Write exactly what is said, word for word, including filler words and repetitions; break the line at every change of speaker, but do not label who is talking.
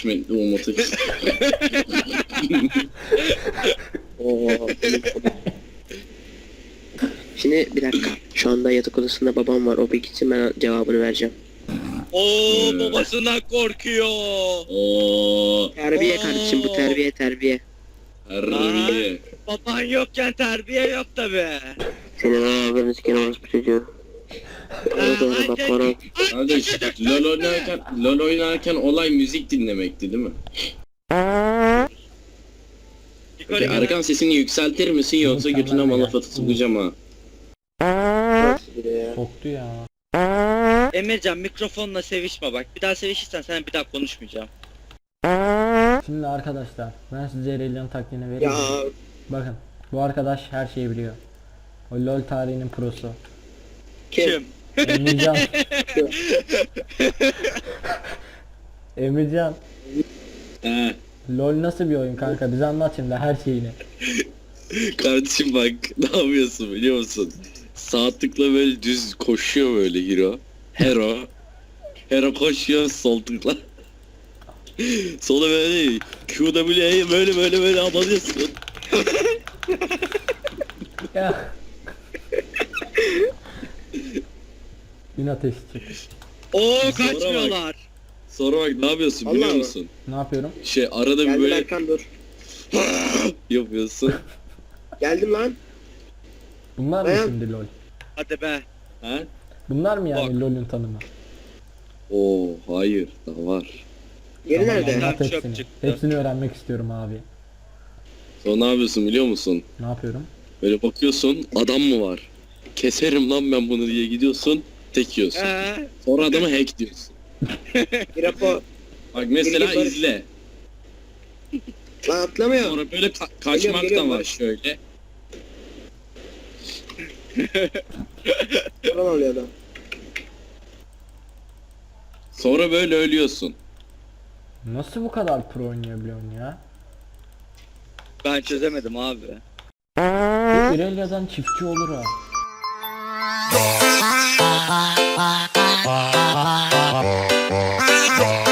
Hikmetli Umut'u.
Oo. Şimdi bir dakika. Şu anda yatak odasında babam var. O bir gitsin, ben cevabını vereceğim.
Oo
Ee.
babasından korkuyor.
Oo,
Terbiye kardeşim, bu terbiye terbiye.
harbiye.
Baban yokken terbiye yok tabi.
Senin ağzını siken orospu çocuğu. Ona doğru bak ona.
Kardeş, LoL oynarken, LoL oynarken olay müzik dinlemekti değil mi? Peki Erkan sesini yükseltir misin yoksa
Mükemmel
götüne
ya.
malafatı sokacağım ha?
Soktu ya.
Emircan mikrofonla sevişme bak. Bir daha sevişirsen sana bir daha konuşmayacağım.
Şimdi arkadaşlar ben size Aurelion taktiğini vereyim.
Ya
Bakın bu arkadaş her şeyi biliyor. O LoL tarihinin prosu.
kim?
Emircan. Emircan.
He.
LoL nasıl bir oyun kanka? Bize anlat şimdi her şeyini.
Kardeşim bak ne yapıyorsun biliyor musun? Sağ tıkla böyle düz koşuyor böyle hero. Hero. Hero koşuyor sol tıkla. Sola böyle Q W'ye böyle böyle böyle abanıyorsun.
Ya. Bin ateş çık.
Oo
Sonra
kaçmıyorlar.
Sonra bak ne yapıyorsun biliyor
Vallahi mi?
musun?
Ne yapıyorum?
Şey arada bir
Geldim
böyle
Erkan, dur.
yapıyorsun.
Geldim lan.
Bunlar mı
Dayan.
şimdi LoL?
Hadi be.
Ha?
Bunlar mı yani
Bak.
LoL'ün tanımı?
Oo hayır daha var.
Yeri
Tamam,
nerede?
anlat
Çöp
hepsini.
çıktı.
Hepsini öğrenmek istiyorum abi.
Sonra ne yapıyorsun biliyor musun?
Ne yapıyorum?
Böyle bakıyorsun adam mı var? Keserim lan ben bunu diye gidiyorsun tek yiyorsun.
Ee,
Sonra adamı hack diyorsun.
Bir rapor.
Bak mesela
Bilgi barış-
izle.
Lan atlamıyor.
Sonra böyle ka- kaçmak
Geliyorum, geliyorum,
da var
barış.
şöyle.
Falan oluyor adam.
Sonra böyle ölüyorsun.
Nasıl bu kadar pro oynayabiliyorsun ya?
ben çözemedim abi.
Bu Aurelia'dan çiftçi olur ha.